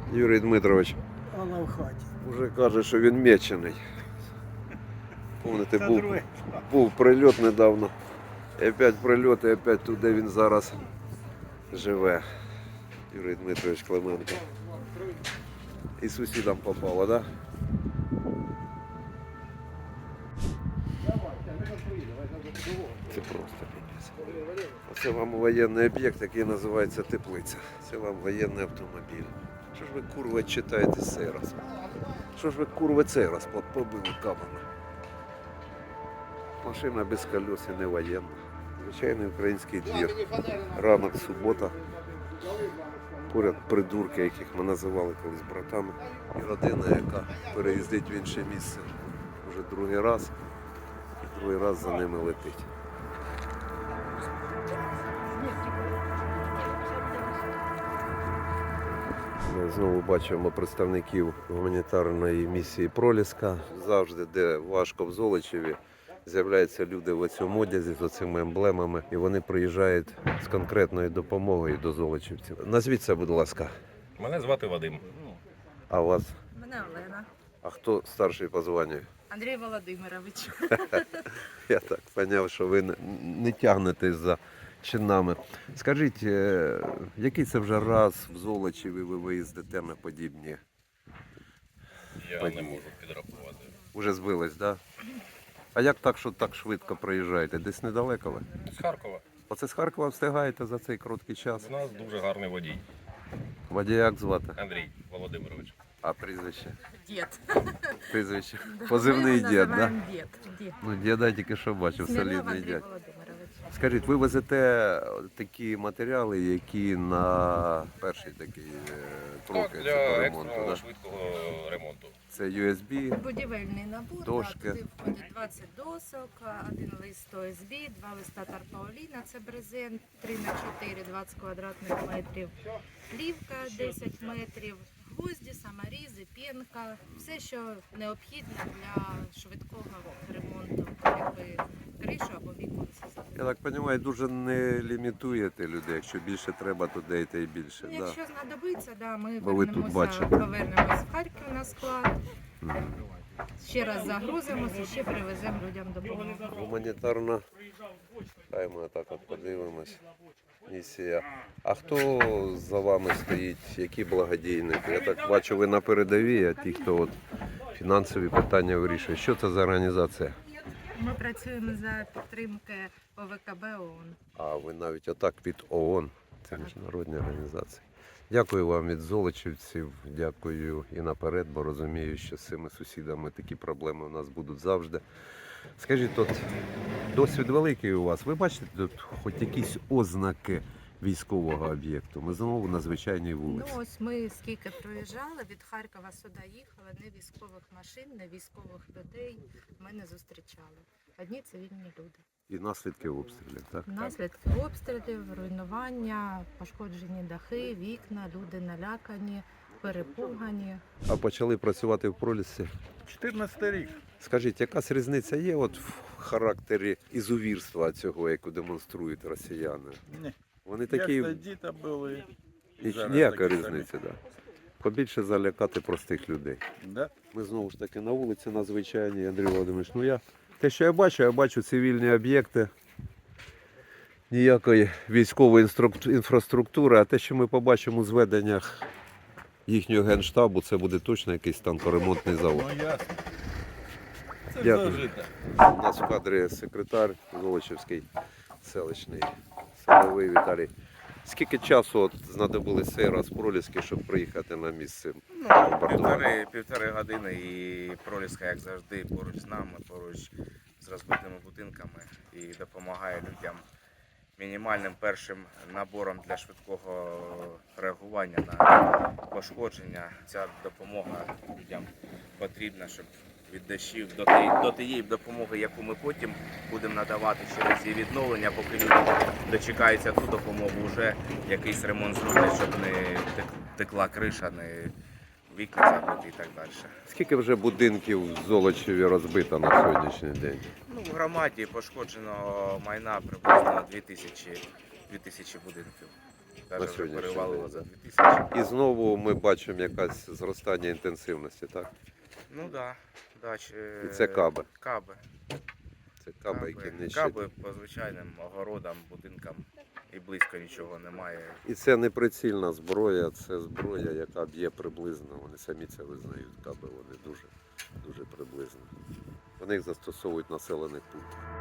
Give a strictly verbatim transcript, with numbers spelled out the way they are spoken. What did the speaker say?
Юрій Дмитрович Вона в хаті. вже каже, що він мечений. Помните, Це був, друге. був прильот недавно. І опять прильот, і опять туди він зараз живе. Юрій Дмитрович Клименко. І сусідам попало, так? Да? Це просто піпець. Оце вам воєнний об'єкт, який називається Теплиця. Це вам воєнний автомобіль. Що ж ви, курва, читаєте цей раз? Що ж ви, курва, цей раз побили камами? Машина без колес і не воєнна. Звичайний український двір. Ранок, субота. Поряд придурки, яких ми називали колись братами. І родина, яка переїздить в інше місце вже другий раз. І другий раз за ними летить. Ми знову бачимо представників гуманітарної місії Проліска. Завжди, де важко в Золочеві, з'являються люди в цьому одязі з оцими емблемами. І вони приїжджають з конкретною допомогою до золочівців. Назвіться, будь ласка. Мене звати Вадим. А вас? Мене Олена. А хто старший по званню? Андрій Володимирович. Я так зрозумів, що ви не, не тягнетесь за чинами. Скажіть, е, який це вже раз в Золочеві ви виїздите на подібні? Я Події. не можу підрахувати. Уже збились, так? Да? А як так, що так швидко проїжджаєте? Десь недалеко ви? З Харкова. Оце з Харкова встигаєте за цей короткий час? У нас дуже гарний водій. Водія як звати? Андрій Володимирович. А прізвище? Дід. Прізвище. Позивний Ми дід, його так? називаємо дід. Дід. Ну, діда тільки що бачив, Смірнов солідний Андрій дід. Володимирович. Скажіть, ви везете такі матеріали, які на перший такий е, Так, кроки для цього ремонту, екстреного да? швидкого ремонту. Це ю ес бі, Будівельний набор, Дошки. да, туди входить двадцять досок, один лист о ес бі, два листа тарпауліна, це брезент, три на чотири, двадцять квадратних метрів, плівка десять метрів, гвозді, саморізи, пінка, все, що необхідно для швидкого ремонту, якби кришу або віконці. я так розумію, дуже не лімітуєте людей. Якщо більше треба, то даєте і більше. Ну, Да? якщо знадобиться, да, ми Бо ви тут вернемося, бачите. повернемось в Харків на склад, Мгм. ще раз загрузимося, ще привеземо людям допомогу. Гуманітарна, хай ми так от подивимось, місія. А хто за вами стоїть, які благодійники? Я так бачу, ви на передовій, а ті, хто от фінансові питання вирішує. Що це за організація? Ми працюємо за підтримки о ве ка бе ООН. А ви навіть отак від ООН, це міжнародні організації. Дякую вам від золочівців, дякую і наперед, бо розумію, що з цими сусідами такі проблеми у нас будуть завжди. Скажіть, от досвід великий у вас. Ви бачите тут хоч якісь ознаки військового об'єкту? Ми знову на звичайній Ну вулиці. ось ми скільки проїжджали, від Харкова сюди їхали, не військових машин, не військових людей ми не зустрічали. Одні цивільні люди. І наслідки обстрілів, так? Наслідки обстрілів, руйнування, пошкоджені дахи, вікна, люди налякані, перепугані. А почали працювати в Пролісці. чотирнадцятий рік. Скажіть, якась різниця є от в характері ізувірства цього, яку демонструють росіяни? Ні. Вони Як такі, тоді там були. і зараз ніяка такі різниця, так. Да. Побільше залякати простих людей. Да? Ми знову ж таки на вулиці надзвичайній, Андрій Володимирович. Ну я, те, що я бачу, я бачу цивільні об'єкти, ніякої військової інструк- інфраструктури, а те, що ми побачимо у зведеннях їхнього генштабу, це буде точно якийсь танкоремонтний завод. Ну ясно. Це Дякую. зажито. У нас в кадрі секретар Золочівський селищний Садовий Віталій. Скільки часу от знадобилось цей раз Проліски, щоб приїхати на місце Ну, бомбардування? півтори, півтори години і Проліска, як завжди, поруч з нами, поруч з розбитими будинками і допомагає людям мінімальним першим набором для швидкого реагування на пошкодження. Ця допомога людям потрібна, щоб від дощів до тієї, до тієї допомоги, яку ми потім будемо надавати через її відновлення, поки люди дочекаються ту допомогу, вже якийсь ремонт зроблять, щоб не тек- текла криша, не вікна забити і так далі. Скільки вже будинків в Золочеві розбито на сьогоднішній день? Ну, в громаді пошкоджено майна приблизно дві тисячі, дві тисячі будинків. Навіть вже сьогоднішній перевалило день, за да. дві тисячі. І знову ми бачимо якесь зростання інтенсивності, так? Ну да, да. чи- І це каби. Каби. Це каби, які нищать. Каби по звичайним огородам, будинкам і близько нічого немає. І це не прицільна зброя, це зброя, яка б'є приблизно. Вони самі це визнають, каби, вони дуже, дуже приблизно. Вони їх застосовують в населених пунктах.